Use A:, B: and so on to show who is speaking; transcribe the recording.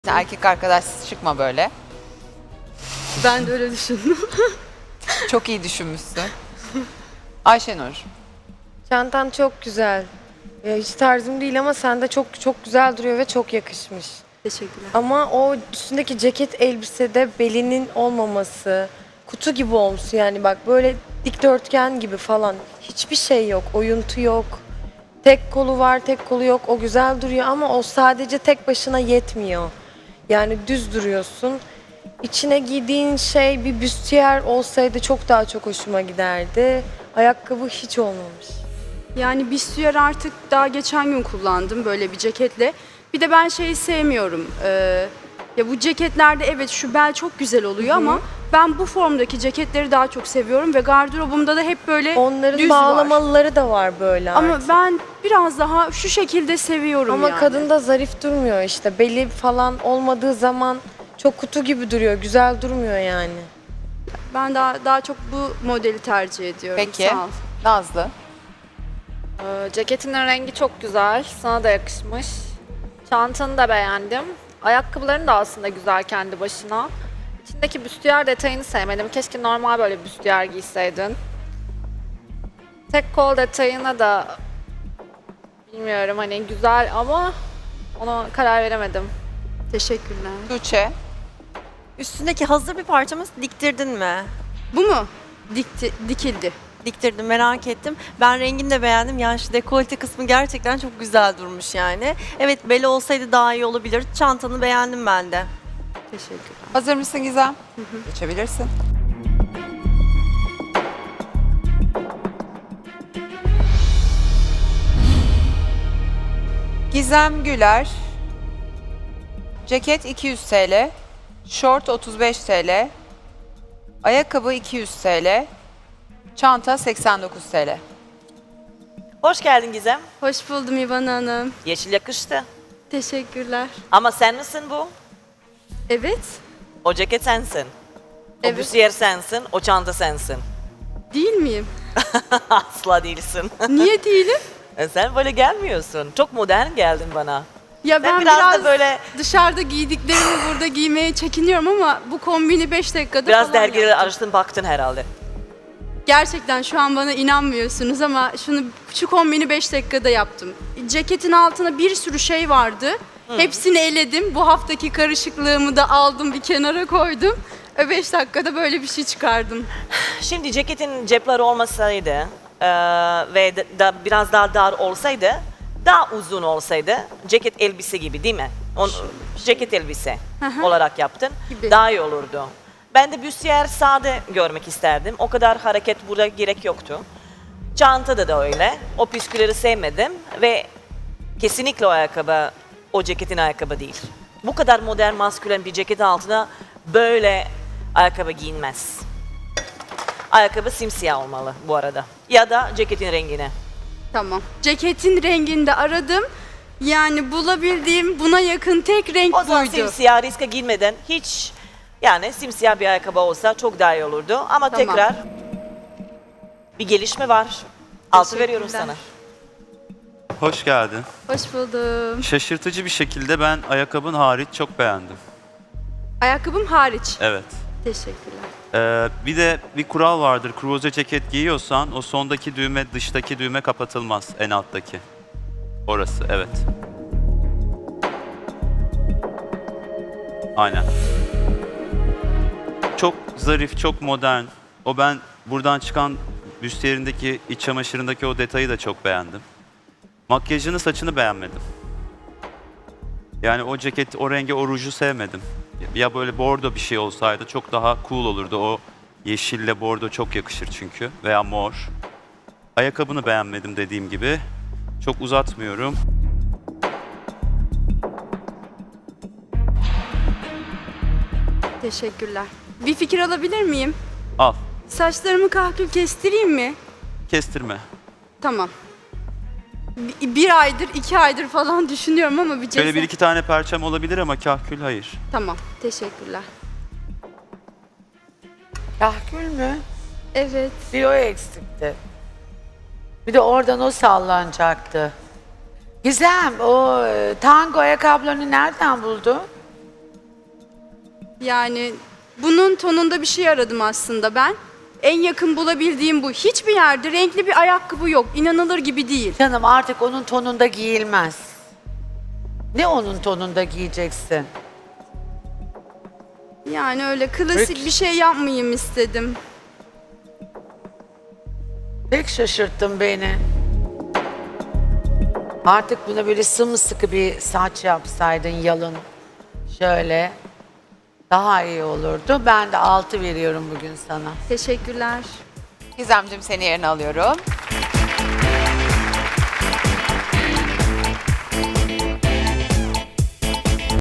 A: Erkek arkadaş çıkma böyle.
B: Ben de öyle düşündüm.
A: Çok iyi düşünmüşsün. Ayşenur.
C: Çantan çok güzel. Ya hiç tarzım değil ama sende çok güzel duruyor ve çok yakışmış.
B: Teşekkürler.
C: Ama o üstündeki ceket elbisede belinin olmaması, kutu gibi olmuş yani bak böyle dikdörtgen gibi falan. Hiçbir şey yok, oyuntu yok. Tek kolu var, tek kolu yok. O güzel duruyor ama o sadece tek başına yetmiyor. Yani düz duruyorsun. İçine giydiğin şey bir büstiyer olsaydı çok daha çok hoşuma giderdi. Ayakkabı hiç olmamış.
B: Yani büstiyer artık daha geçen gün kullandım böyle bir ceketle. Bir de ben şeyi sevmiyorum. Ya bu ceketlerde evet şu bel çok güzel oluyor ama ben bu formdaki ceketleri daha çok seviyorum ve gardırobumda da hep böyle
C: Onların
B: düz var.
C: bağlamalıları da var böyle
B: Ama
C: artık.
B: ben biraz daha şu şekilde seviyorum
C: Ama
B: yani.
C: kadında zarif durmuyor işte. Beli falan olmadığı zaman çok kutu gibi duruyor. Güzel durmuyor yani.
B: Ben daha çok bu modeli tercih ediyorum.
A: Peki.
B: Sağ ol.
A: Nazlı.
D: Ceketinin rengi çok güzel. Sana da yakışmış. Çantanı da beğendim. Ayakkabıların da aslında güzel kendi başına. İçindeki büstiyer detayını sevmedim. Keşke normal böyle bir büstiyer giyseydin. Tek kol detayına da bilmiyorum hani güzel ama ona karar veremedim.
B: Teşekkürler.
A: Tuğçe.
E: Üstündeki hazır bir parçamı diktirdin mi?
B: Bu mu? Dikildi.
E: Diktirdim, merak ettim. Ben rengini de beğendim. Yani şu dekolte kısmı gerçekten çok güzel durmuş yani. Evet, beli olsaydı daha iyi olabilir. Çantanı beğendim ben de.
B: Teşekkürler.
A: Hazır mısın Gizem? Geçebilirsin. Gizem Güler. Ceket 200 TL. Şort 35 TL. Ayakkabı 200 TL. Çanta 89 TL.
F: Hoş geldin Gizem.
B: Hoş buldum İvan Hanım.
F: Yeşil yakıştı.
B: Teşekkürler.
F: Ama sen misin bu?
B: Evet.
F: O ceket sensin. O
B: Evet.
F: büstiyer sensin, o çanta sensin.
B: Değil miyim?
F: Asla değilsin.
B: Niye değilim?
F: Sen böyle gelmiyorsun. Çok modern geldin bana.
B: Ya
F: Sen
B: ben
F: biraz
B: biraz
F: da böyle
B: dışarıda giydiklerimi burada giymeye çekiniyorum ama bu kombini 5 dakikada
F: biraz
B: falan
F: dergileri
B: yaptım.
F: araştırdın baktın herhalde.
B: Gerçekten şu an bana inanmıyorsunuz ama şu kombini 5 dakikada yaptım. Ceketin altına bir sürü şey vardı. Hepsini eledim. Bu haftaki karışıklığımı da aldım bir kenara koydum. 5 dakikada böyle bir şey çıkardım.
F: Şimdi ceketin cepleri olmasaydı ve biraz daha dar olsaydı, daha uzun olsaydı, ceket elbise gibi değil mi? Ceket elbise olarak yaptın.
B: Gibi.
F: Daha iyi olurdu. Ben de büstiyer sade görmek isterdim. O kadar hareket burada gerek yoktu. Çantada da öyle. O püskülleri sevmedim ve kesinlikle o ayakkabı, o ceketin ayakkabı değil. Bu kadar modern, maskülen bir ceket altına böyle ayakkabı giyinmez. Ayakkabı simsiyah olmalı bu arada. Ya da ceketin rengine.
B: Tamam. Ceketin renginde aradım. Yani bulabildiğim buna yakın tek renk
F: O zaman
B: buydu.
F: simsiyah riske girmeden hiç yani simsiyah bir ayakkabı olsa çok daha iyi olurdu. Ama
B: Tamam.
F: tekrar bir gelişme var. Altı veriyorum
B: Teşekkürler.
F: sana.
G: Hoş geldin.
B: Hoş buldum.
G: Şaşırtıcı bir şekilde ben ayakkabın hariç çok beğendim.
B: Ayakkabım hariç.
G: Evet.
B: Teşekkürler.
G: Bir de bir kural vardır. Kruvaze ceket giyiyorsan o sondaki düğme dıştaki düğme kapatılmaz. En alttaki. Orası evet. Aynen. Çok zarif, çok modern. Ben buradan çıkan büstiyerindeki, iç çamaşırındaki o detayı da çok beğendim. Makyajını, saçını beğenmedim. Yani o ceket, o rengi, o ruju sevmedim. Ya böyle bordo bir şey olsaydı çok daha cool olurdu. O yeşille bordo çok yakışır çünkü. Veya mor. Ayakkabını beğenmedim dediğim gibi. Çok uzatmıyorum.
B: Teşekkürler. Bir fikir alabilir miyim?
G: Al.
B: Saçlarımı kahkül kestireyim mi?
G: Kestirme.
B: Tamam. Bir aydır, 2 aydır falan düşünüyorum ama bir cesaret...
G: Şöyle bir iki tane perçem olabilir ama kahkül hayır.
B: Tamam, teşekkürler.
H: Kahkül mü?
B: Evet.
H: Bir o eksikti. Bir de oradan o sallanacaktı. Gizem, o tango ayakkabılarını nereden buldun?
B: Yani bunun tonunda bir şey aradım aslında ben. En yakın bulabildiğim bu. Hiçbir yerde renkli bir ayakkabı yok. İnanılır gibi değil.
H: Canım artık onun tonunda giyilmez. Ne onun tonunda giyeceksin?
B: Yani öyle klasik bir şey yapmayayım istedim.
H: Pek şaşırttın beni. Artık buna böyle sımsıkı bir saç yapsaydın yalın. Şöyle. Daha iyi olurdu. Ben de 6 veriyorum bugün sana.
B: Teşekkürler.
A: Gizemciğim seni yerine alıyorum.